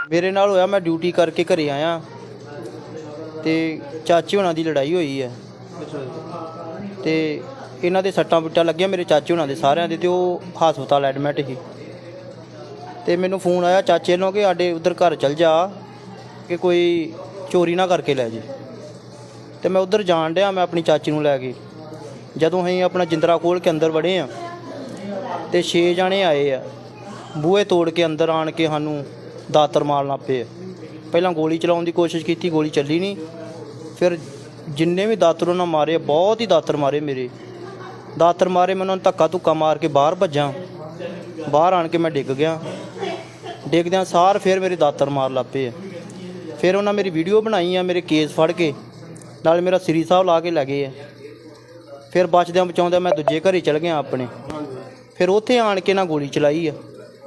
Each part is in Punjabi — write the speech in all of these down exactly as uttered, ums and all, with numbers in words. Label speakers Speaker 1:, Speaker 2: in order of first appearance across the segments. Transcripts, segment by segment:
Speaker 1: मेरे नाल होया, मैं ड्यूटी करके घरे आया तो चाचे होना की लड़ाई हुई है तो इन्हां दे सट्टां पिट्टां लगियां मेरे चाचे होना दे सारियां दे, ते ओह हस्पताल एडमिट ही। तो मैनू फोन आया चाचे नूं कि साडे उधर घर चल जा कि कोई चोरी ना करके लै जे। तो मैं उधर जान दिया, मैं अपनी चाची नूं लैके जदों असीं अपना जिंदरा खोल के अंदर वड़े आ तो छे जने आए आ, बूहे तोड़ के अंदर आण के सानूं दातर मारन लग पे। पहलां गोली चलाउण दी कोशिश की, गोली चली नहीं। फिर जिन्ने भी दातर उन्होंने मारे, बहुत ही दातर मारे मेरे, दातर मारे मैं उन्होंने धक्का धुक्का मार के बाहर भज्जा। बाहर आण के मैं डिग गया, डिगद्या सार फिर मेरे दातर मार लग पे। फिर उन्हें मेरी वीडियो बनाई है, मेरे केस फड़ के नाल मेरा श्री साहब ला के लै गए है। फिर बचद्या बचाउंदे मैं दूजे घरे चल गया अपने। फिर उत्थे आण के ना गोली चलाई है,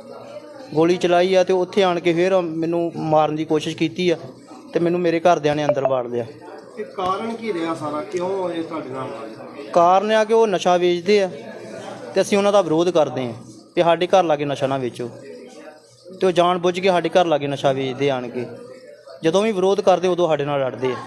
Speaker 1: गोली चलाई है तो उत्थे आण के फिर मैनू मारन की कोशिश की है तो मैनू मेरे घरदियां ने अंदर वाड़ लिया।
Speaker 2: कारण की रहा सारा, क्यों ये तुहाडे नाल?
Speaker 1: कारण आ कि वो नशा वेचते हैं तो असीं उन्हां दा विरोध करते हैं कि साडे घर लागे नशा ना वेचो। तो जान बुझ के साडे घर लागे नशा वेचते आण के, जदों भी विरोध करते उदों साडे नाल लड़ते हैं।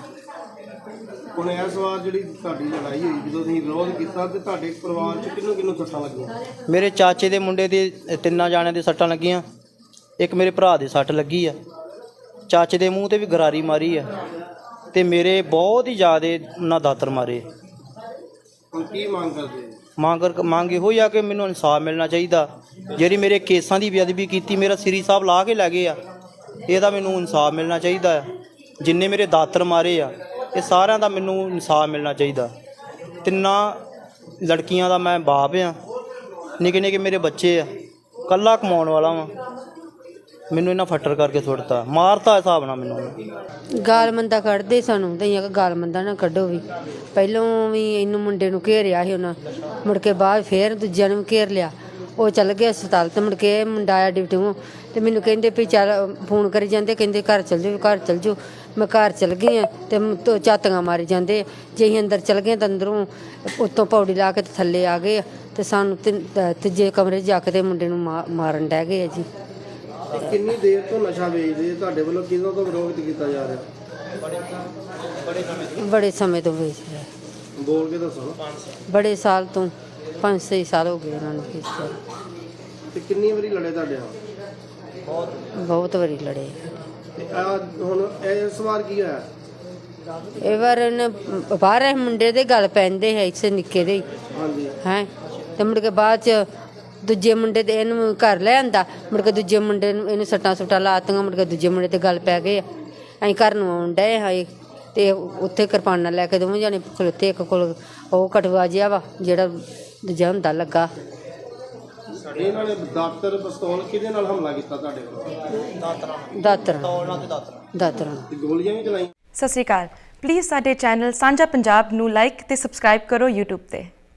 Speaker 2: ਹੁਣ ਇਸ ਵਾਰ ਜਿਹੜੀ ਤੁਹਾਡੀ ਲੜਾਈ ਹੋਈ, ਜਦੋਂ ਤੁਸੀਂ ਵਿਰੋਧ ਕੀਤਾ ਤੇ ਤੁਹਾਡੇ ਪਰਿਵਾਰ 'ਚ ਕਿਹਨੂੰ ਕਿਹਨੂੰ ਸੱਟਾਂ ਲੱਗੀਆਂ?
Speaker 1: ਮੇਰੇ ਚਾਚੇ ਦੇ ਮੁੰਡੇ ਦੇ ਤਿੰਨਾਂ ਜਾਣਿਆਂ ਦੇ ਸੱਟਾਂ ਲੱਗੀਆਂ, ਇੱਕ ਮੇਰੇ ਭਰਾ ਦੇ ਸੱਟ ਲੱਗੀ ਆ, ਚਾਚੇ ਦੇ ਮੂੰਹ ਤੇ ਵੀ ਗਰਾਰੀ ਮਾਰੀ ਆ ਤੇ ਮੇਰੇ ਬਹੁਤ ਹੀ ਜ਼ਿਆਦਾ ਉਹਨਾਂ ਦਾਤਰ ਮਾਰੇ।
Speaker 2: ਹੁਣ ਕੀ ਮੰਗ ਕਰਦੇ?
Speaker 1: ਮੰਗ ਮੰਗ ਇਹੋ ਹੀ ਆ ਕਿ ਮੈਨੂੰ ਇਨਸਾਫ ਮਿਲਣਾ ਚਾਹੀਦਾ। ਜਿਹੜੀ ਮੇਰੇ ਕੇਸਾਂ ਦੀ ਬੇਅਦਬੀ ਕੀਤੀ, ਮੇਰਾ ਸ੍ਰੀ ਸਾਹਿਬ ਲਾ ਕੇ ਲੈ ਗਏ ਆ, ਇਹਦਾ ਮੈਨੂੰ ਇਨਸਾਫ ਮਿਲਣਾ ਚਾਹੀਦਾ ਆ। ਜਿੰਨੇ ਮੇਰੇ ਦਾਤਰ ਮਾਰੇ ਆ ਇਹ ਸਾਰਿਆਂ ਦਾ ਮੈਨੂੰ ਇਨਸਾਫ ਮਿਲਣਾ ਚਾਹੀਦਾ। ਤਿੰਨਾਂ ਲੜਕੀਆਂ ਦਾ ਮੈਂ ਬਾਪ ਆ, ਨਿੱਕੇ ਨਿੱਕੇ ਮੇਰੇ ਬੱਚੇ ਆ, ਕੱਲਾ ਕਮਾਉਣ ਵਾਲਾ ਵਾਂ। ਮੈਨੂੰ ਇਹਨਾਂ ਫੱਟਰ ਕਰਕੇ ਸੁੱਟਤਾ, ਮਾਰਤਾ ਹਿਸਾਬ ਨਾਲ ਮੈਨੂੰ।
Speaker 3: ਗਾਲ ਮੰਦਾ ਕੱਢਦੇ ਸਾਨੂੰ, ਤਾਂ ਅਸੀਂ ਗਾਲ ਮੰਦਾ ਨਾ ਕੱਢੋ ਵੀ। ਪਹਿਲੋਂ ਵੀ ਇਹਨੂੰ ਮੁੰਡੇ ਨੂੰ ਘੇਰਿਆ ਸੀ ਉਹਨਾਂ, ਮੁੜ ਕੇ ਬਾਅਦ ਫਿਰ ਦੂਜਿਆਂ ਨੂੰ ਵੀ ਘੇਰ ਲਿਆ। ਉਹ ਚੱਲ ਗਏ ਹਸਪਤਾਲ ਤੇ ਮੁੜ ਕੇ ਮੁੰਡਾ ਆਇਆ ਡਿਊਟੀਓਂ ਤੇ ਮੈਨੂੰ ਕਹਿੰਦੇ ਵੀ ਚੱਲ ਫੋਨ ਕਰੀ ਜਾਂਦੇ, ਕਹਿੰਦੇ ਘਰ ਚੱਲ ਜਾਓ ਘਰ ਚੱਲ ਜਾਓ। ਮੈਂ ਘਰ ਚੱਲ ਗਈ ਹਾਂ ਤੇ ਝਾਤੀਆਂ ਮਾਰੀ ਜਾਂਦੇ। ਜੇ ਅਸੀਂ ਅੰਦਰ ਚੱਲ ਗਏ ਤਾਂ ਅੰਦਰੋਂ ਉੱਤੋਂ ਪੌੜੀ ਲਾ ਕੇ ਤੇ ਥੱਲੇ ਆ ਗਏ ਤੇ ਸਾਨੂੰ ਤੀਜੇ ਕਮਰੇ 'ਚ ਜਾ ਕੇ ਤੇ ਮੁੰਡੇ ਨੂੰ ਮਾਰਨ ਡਹਿ ਗਏ ਜੀ।
Speaker 2: ਕਿੰਨੀ ਦੇਰ ਤੋਂ ਨਸ਼ਾ ਵੇਚਦੇ ਤੁਹਾਡੇ ਵੱਲੋਂ, ਕਿਹਨਾਂ ਤੋਂ ਵਿਰੋਧ ਕੀਤਾ ਜਾ ਰਿਹਾ?
Speaker 3: ਬੜੇ ਸਮੇਂ ਤੋਂ ਵੇਚ ਰਿਹਾ।
Speaker 2: ਬੋਲ ਕੇ ਦੱਸੋ।
Speaker 3: ਬੜੇ ਸਾਲ ਤੋਂ, ਪੰਜ ਛੇ ਸਾਲ ਹੋ ਗਏ ਉਹਨਾਂ ਨੂੰ ਵੇਚਿਆ।
Speaker 2: ਤੇ ਕਿੰਨੀ ਵਾਰੀ ਲੜੇ ਤੁਹਾਡੇ ਨਾਲ?
Speaker 1: ਬਹੁਤ
Speaker 3: ਬਹੁਤ ਵਾਰੀ ਲੜੇ।
Speaker 2: ਤੇ ਆ ਹੁਣ ਇਸ ਵਾਰ ਕੀ ਹੋਇਆ?
Speaker 3: ਇਹ ਵਾਰ ਇਹਨੇ ਬਾਹਰ ਮੁੰਡੇ ਦੇ ਗਲ ਪੈਂਦੇ ਹੈ, ਇਸੇ ਨਿੱਕੇ ਦੇ
Speaker 2: ਹਾਂਜੀ
Speaker 3: ਹੈ। ਤੇ ਮੁੜ ਕੇ ਬਾਅਦ 'ਚ ਦੂਜੇ ਮੁੰਡੇ ਦੇ ਇਹਨੂੰ ਘਰ ਲੈ ਆਂਦਾ, ਮੁੜ ਕੇ ਦੂਜੇ ਮੁੰਡੇ ਨੂੰ ਇਹਨੂੰ ਸੱਟਾਂ ਸੁੱਟਾਂ ਲਾਤੀਆਂ। ਮੁੜ ਕੇ ਦੂਜੇ ਮੁੰਡੇ 'ਤੇ ਗੱਲ ਪੈ ਗਏ। ਅਸੀਂ ਘਰ ਨੂੰ ਆਉਣ ਡਏ ਹਾਂ ਅਤੇ ਉੱਥੇ ਕਿਰਪਾਨਾਂ ਲੈ ਕੇ ਦੋਵੇਂ ਜਾਣੇ ਖਲੋਤੇ। ਇੱਕ ਕੋਲ ਉਹ ਕਟਵਾ ਜਿਹਾ ਵਾ ਜਿਹੜਾ ਦੂਜਾ ਹੁੰਦਾ ਲੱਗਾ।
Speaker 2: ਇਹਨਾਂ ਨੇ ਦਾਤਰ ਪਿਸਤੌਲ ਕਿਹਦੇ ਨਾਲ ਹਮਲਾ ਕੀਤਾ ਤੁਹਾਡੇ ਕੋਲ?
Speaker 3: ਦਾਤਰਾਂ ਦਾਤਰਾਂ
Speaker 2: ਗੋਲੀਆਂ ਵੀ ਚਲਾਈਆਂ?
Speaker 4: ਸਤਿ ਸ਼੍ਰੀ ਅਕਾਲ। ਪਲੀਜ਼ ਸਾਡੇ ਚੈਨਲ ਸਾਂਝਾ ਪੰਜਾਬ ਨੂੰ ਲਾਈਕ ਅਤੇ ਸਬਸਕ੍ਰਾਈਬ ਕਰੋ ਯੂਟਿਊਬ 'ਤੇ।